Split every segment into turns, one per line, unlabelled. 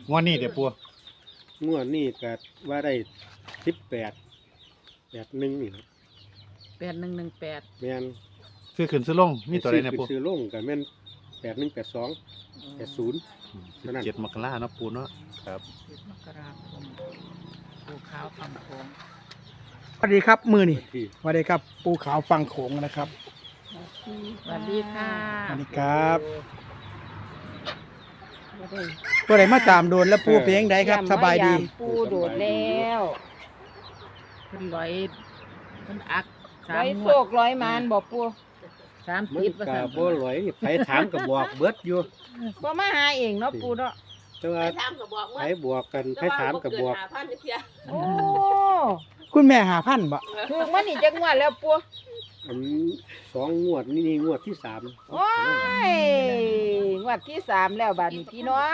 งวดนี้เดี๋ยวปู
งวดนี้ก็ว่าได้18 81นี่ครับ
8118
แม่น
ซื้อขึ้นซื้อลงมีตัวใดเนี่ยปู
ซื้อลงก็แม่น81 82 80 เท่านั้น
17 มกราเนาะปูเนาะครับ
มกราคมปูขาวทำโค้ง
สวัสดีครับมือนี่
ที่
สวัสดีครับปูขาวฟังโขงนะครับ
สวัสดีค่ะ
สวัสดีครับตัวไหนมาตามโดนแล้วปูเพียงใดครับสบายดี
ปูโดดแล้ว
เพิ่นร้อยเพิ่นอักสา
ร้อ
ม
ย
ง
โศ
วด
กร้อยมานบอกปู
สาม
มัน
ติดว่า
ก็
ซั่น
บ่หลอยไผถามก็บอกเบิดอยู่
บ่มาหาเองเนาะปูเนาะ
แต่ว่า
ถามก็บอก
ไผ
ว่า
บวกกันไผถามก็บอก
5,000เพีย
โอ้
คุณแม่หาพันบ่
ถูกมันนี่จักงวดแล้วปู
อัน2 งวดนี่งวดที่3
โอ้ยงวดที่3แล้วบัดนี้พี่น้อง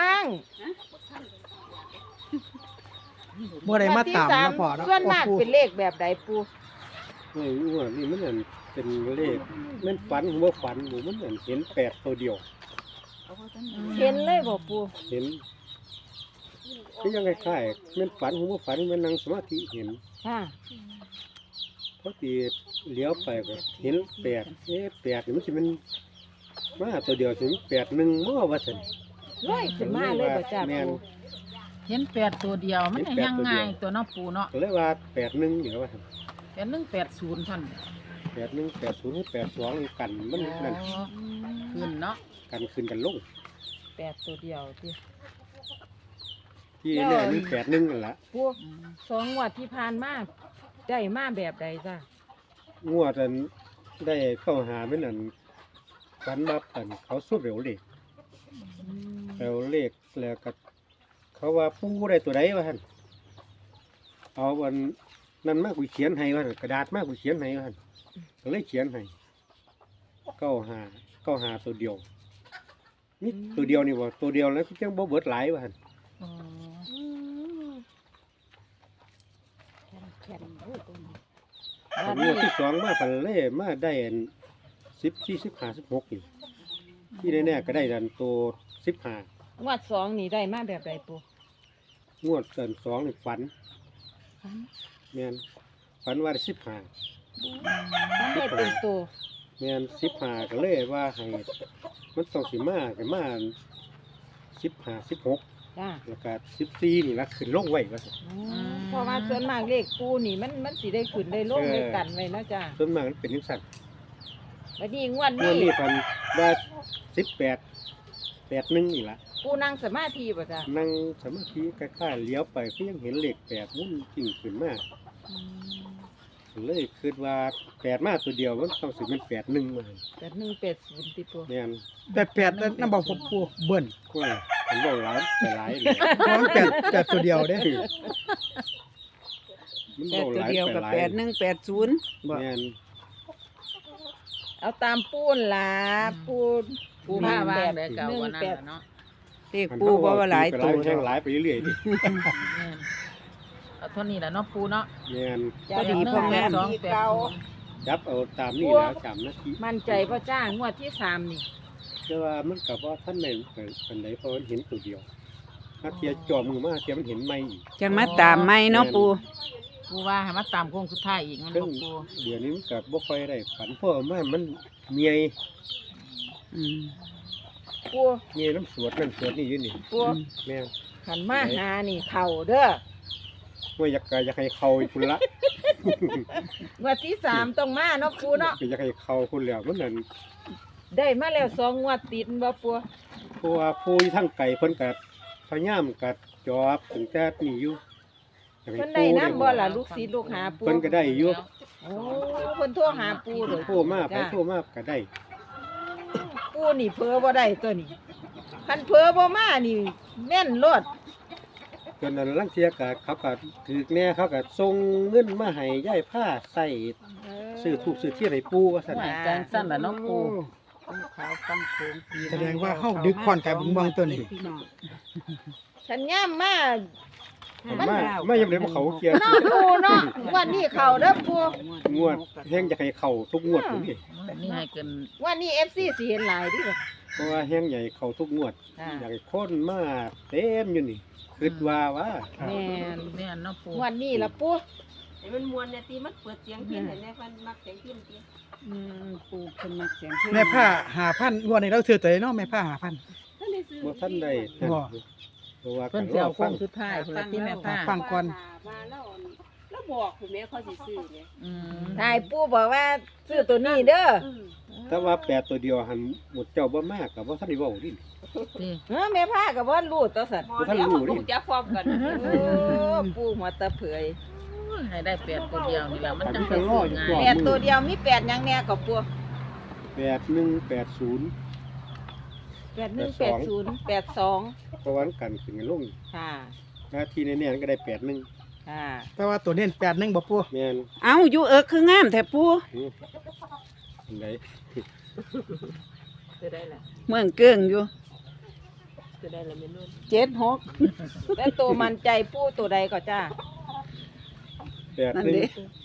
บ่ได้มาตามนะพ่อเนาะ
ส่วนมาก
ปู
เป็นเลขแบบใดปู
งวดนี้มันนั่นเป็นเลขมันฝันบ่ฝันบ่มันนั่นเห็น8ตัวเดียว
เห็นเลยบ่ปู
เห็นก็ยังคล้ายๆมันฝันบ่ฝันมันนั่งสมาธิเห็น
ค่ะ
พอดีเลี้ยวไปก็เห็น88นี่มันสิมันมาตัวเดียวสิมัน81บ่ว่าซั่น
ลอยขึ้นมาเลยบ่จ้า
แม่น
ปู
เห็น8ตัวเดียวมันก็ยังง่ายตัวเนาะปูเนาะ
ก็เลยว่า81นี่ว่าซั่น
8180ท่าน
81 80 82นี่กันมันนั่น
อ๋อขึ้นเนาะ
กันขึ้นกันลง
8ตัวเดียวติ
ที่แน่นี่81นั่นล่ะ
ปูสองงวดที่ผ่านมาได้มาแบบใดจ้าง
วดอันได้เข้าหาเป็นอันฝันมาอันเขาสู้เร็วเลขเร็วเลขแล้วก็เขาว่าปูได้ตัวใดว่าท่านเอาอันนั่นมากกูเขียนให้ว่าหั่นกระดาษมากกูเขียนให้ว่าท่านก็เลยเขียนให้เก้าหาตัวเดียวนี่ตัวเดียวนี่ว่าตัวเดียวแล้วก็จังบ่เบิดหลายว่าท่าน
อ๋อ
แข็งๆโอ้ยตัวนี้
อันงวดที่สองมาพันเล่มาได้อัน10 20 15 16นี่ที่แน่ๆก็ได้ดันตัว15
งวดสองนี่ได้มาแบบใดปู
งวดเกิน2นี่ฝันแม่นฝันว่าได้15
มันได้เป็นตัว
แม่น15ก็เลยว่าให้มันต้องสิมาก็มา15 16
จ้า
แล้วก็14นี่ละขึ้นลงไว้ว่าซั่น
เพราะว่าส่วนมากเลขปูนี่มันสิได้ขึ้นได้ลงได้กันไว้เนาะจ้า
ส่วนมากมันเป็นจังซั่น
บัดนี้งวด
งว
นี้
ดนี้พันว่า18 81นี่ล่ะ
ปูนั่งสมาธิบ่จ้า
นั่งสมาธิคล้ายๆเลี้ยวไปก็ยังเห็นเลข8มุ่นจริงขึ้นมาเลยคิดว่า8มาตัวเดียวมันต้องสิเป็น81มา
8180ติปู
แม่น
8นั่นบอกผมปูเบิ้ล
ก็มันบ่หลายไปหลายเลย
เพราะมัน8ตัวเดียวเด้
มันบ่หลายไปหลาย
8180
แม่น
เอาตามปูนล่ะปู
ปูผ้าวางได้เก่าวันนั้นล่ะเนาะ
เลขปูบ่ว่าหลายตัว
แห้งหลายไปเรื่อยๆดิ
แม่นเอาเท่านี้แหละเนาะปูเนาะ
แม่น
พอดีพ่อแม่
จับเอาตามนี่แล้วจำนาที
มั่นใจพ่อจ้างวดที่3นี่
แต่ว่ามันกับว่าท่านในปันใดเพราะมันเห็นตัวเดียวถ้าเทียจอมือมาเทียมันเห็นไม่อีก
จังมาตามไม่เนาะปู
ปูว่าให้มาตามโค้งสุดท้ายอีกมัน
ซึ่
บ่
ง
ปู
เดี๋ยวนี้มันกับบ่ค่อยได้ฝันเพราะว่ามันเมีย
อืม
ปู
เมียน้ำสวดนั่นสวดนี่อยู่นี่
ปู
แม่น
หันมาหานี่เข้าเด้อ
ว่าอยากให้เขาอีกคุณละ
งวดที่3ต้องมาเนาะปูเนาะ
อยากให้เขาคุณแล้วมันนั่น
ได้มาแล้ว2งวดติดบ่ปู
เพราะว่าผู้ที่ทั้งไก่เพิ่นกัพยายามกัจอบถึงแต่นี่อยู่อยากให้
เพิ่นได้นำบ่ล่ะลูกศิษย์ลูกหาปู
เพิ่นก็ได้อยู่
โอ้เพิ่นโทรหาปูเลย
โทรมาไปโทรมาก็ได้
ปูนี่เพ้อบ่ได้ตัวนี้คันเพ้อบ่มานี่แม่นโลด
จนนั้นลังเทียก็เขาก็ถือแน่เขาก็ส่งเงินมาให้ยายผ้าใส่ซื้อถูกซื้อเที่ยให้ปู่ว่าซั่น
ว่าจังซั่นล่ะเนาะปูปูขาวฟังโค้งปี
แสดงว่าเฮาดึกคอนไก่บุงบองตัวนี้
ฉันย่ามมา
มายังได้บ่เขาเกียร์
เนาะปูเนาะวันนี้เข้าเด้อปู
งวดแฮงอยากให้เข้าทุกงวดอยู่นี่
นี่ให้เกิน
วันนี้ FC สิเห็นหลายดิ
เพราะว่าแห้งใหญ่เข้าทุกงวด
อ่า
อยากให้คนมาเต็มอยู่นี่คิดว่า
แม่น
แม่นเนาะปู
งวดนี้ล่ะปู่
ให้มันมวนเนี่ยตีมันเปิดเสียงพินเห็นไหมมันมักเสียงพินตี
ปูเพิ่นมักเสียงเพลง
แม่ผ้า5,000งวดนี้เราซื้อตัวใดเนาะแม่ผ้า5,000
ท่านได้ซื้อ
บ่ทันได้
บ่
เพราะว่า
เพิ่น
ก็
สิ
รอ
เอาโค้
ฟั
ง
ง
สุดท้ายพุ่นล่ะที่แม่ผ้า
ฟังก่อน
มาแล้วบอกคุณแม่เขาสิซื้อเนี่ย
อืม
นายปู่บอกว่าซื้อตัวนี้เด้อ
แต่ว่าแปดตัวเดียวหันหมดเจ้าบ่มากก็บ่ทันได้เว้าดิ
นี่
แม่พาก็บ่รู้ตัวสัตว์
หมอเดียวลูกจะพร้อมกัน
โอ้ปู่หัวตะเผย
ให้ได้8ตัวเดียวนี่ล่ะมันจัง
อั
สิ
นนี้ก็รออยู่
ซื้อ
ก่อน
ง่าย
แปดตัวเดียวมีแปดหยังแน่ก็ปู่
8180
8180 82
เพราะว่ากันขึ้นกันลง
ค่ะ
หน้าที่แน่ๆก็ได้81
ค่ะ
แต่ว่าตัวเน้น81บ่ปู
แม่น
เอ้าอยู่เอิกคืองามแท้ปู
อันใด
จะได้ล่ะ
เมืองเกิ้งอยู่
จะได้ล่ะแม่นุ่น
76แล้วตัวมันใจปู่ตัวใดก็จ้า
นั่นเด้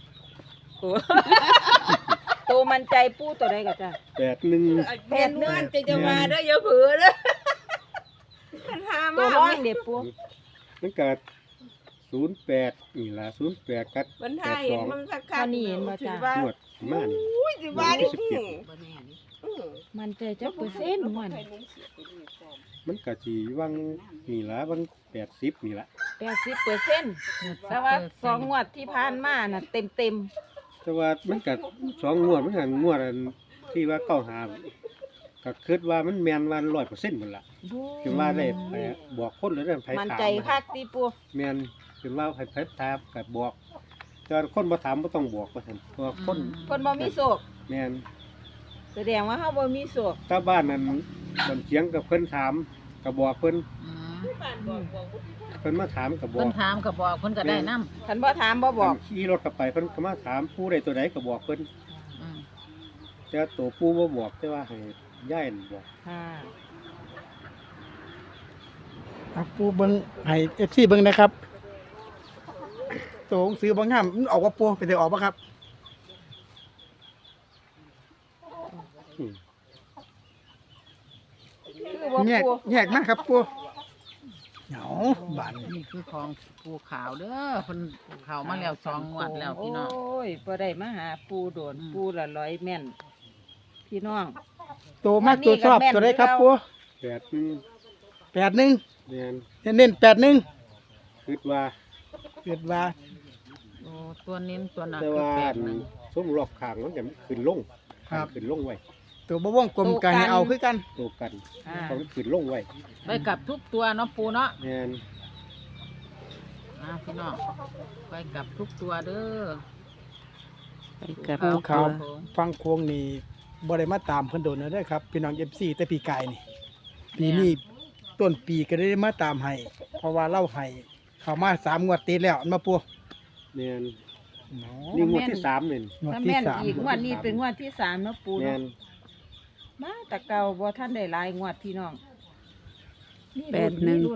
ตัวมันใจปู่ตัวใดก็จ้า
81
แม่นวลจะมาเด้ออย่าเผือเด้อคันหา
ตัว
มา
ร้อยเด็ปู่
มันก็08นี่ล่ะ08กัด
มันทายเห็นมันคักๆถือว่า
งวดมานี่
อุ้ยสิว่านี่
บ่แน่นี่
มันใจจักเปอร์เซ็นต์มัน
มันก็สิวังนี่ล่ะวัง80นี่ล่ะ
80%แต่ว่า2งวดที่ผ่านมาน่ะเต็ม
แต่ว่ามันก็2งวดมันก็งวดอันที่ว่าเข้าหาก็คิดว่ามันแม่นว่า100%หมดล่ะ
ๆ
คือว่าได้ไปบอกคนแล้วได้ไผถาม
มันใจคักติปู่
แม่นคือว่าไผถามก็บอกแต่ว่าคนบ่ถามบ่ต้องบอกว่าซั่นเพราะว่าคน
เพิ่นบ่มีโศก
แม่น
แสดงว่าเฮาบ่มีโศก
ถ้าบ้านนั้นคนเถียงกับเพิ่นถามก็บอกเพิ่น
อืม
เพิ่นมาถามก็บอ
เพิ่
ก
นถามก็บอกเพิ่นก็ได้นำ
คันบ่ถามบ่บอก
ขี่รถกลับไปเพิ่นก็มาถามผู้ใดตัวใดก็บอกเพิ่น
อืม
แต่ว่าตัวผู้บ่บอกแต่ว่าให้ย่ายนั่นบอก
ค่ะ
เอาปูเบิ่งให้ FC เบิ่งนะครับตัวหนังสือบางงามมันออกว่าปูเป็นได้ออกบ่ครับ
อืม
คือว่า
แยก
ปู่
แยกมาครับปูเหงาบาน
นี่คือของปูขาวเด้อเพิ่นเข้ามาแล้ว2งวดแล้วพี่น้อง
โอ้ยบ่ได้มาหาปูโดน
อืม
ปูละร้อยแม่น พี่น้อง
ตัวมากตัวชอบ
อันนี้ก็แม่น
ตัวใดครับ
อยู่
ปู
แบบนึง
81
แม่น
เน้น81
คิดว่า
เกิดว่า
โอ้ตัวเน้นตัวหนัก
แต่
คือ
ว่า
8
ซุ้มรอบข้างมันจะขึ้นลง
ครับ
ขึ้นลงไว้
ตัวบ่วงกลมก็ให้เอาคือกัน
ตัวกัน
อ่า
ต้องขึ้นลงไว้
ไปกับทุกตัวเนาะปูเนาะ
แม่น
พี่น้องไปกับทุกตัวเด้อ
ไปกับ
ปูขาว
ผม
ฟังโค้งนี่บ่ได้มาตามเพิ่นโดนนะเด้อครับพี่น้อง FC แต่ปีกายนี่ปีนี้ต้นปีก็ได้มาตามให้เพราะว่าเล่าให้เข้ามา3งวดติดแล้วอันมาปู
แม่น
เนาะ
นี่งวดที่3นี่
งวด
ถ้า
ที่
แม่น
3
อีกงวดนี้เป็นงวดที่3เนาะปู
แม่
เนาะ
น
มาแต่เก่าบ่ทันได้หลายงวดพี่น้องมี
แป
รุ่
ด
น
หนึ่ง
มีรุ่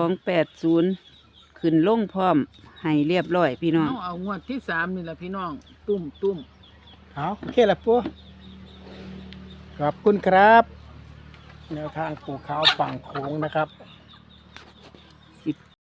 8280ขึ้นลงพร้อมให้เรียบร้อยพี่น้อง
เอางวดที่3นี่แหละพี่น้อง ตุ้ม
เอาโอเคละปูขอบคุณครับแนวทางปูขาวฝั่งโค้งนะครับ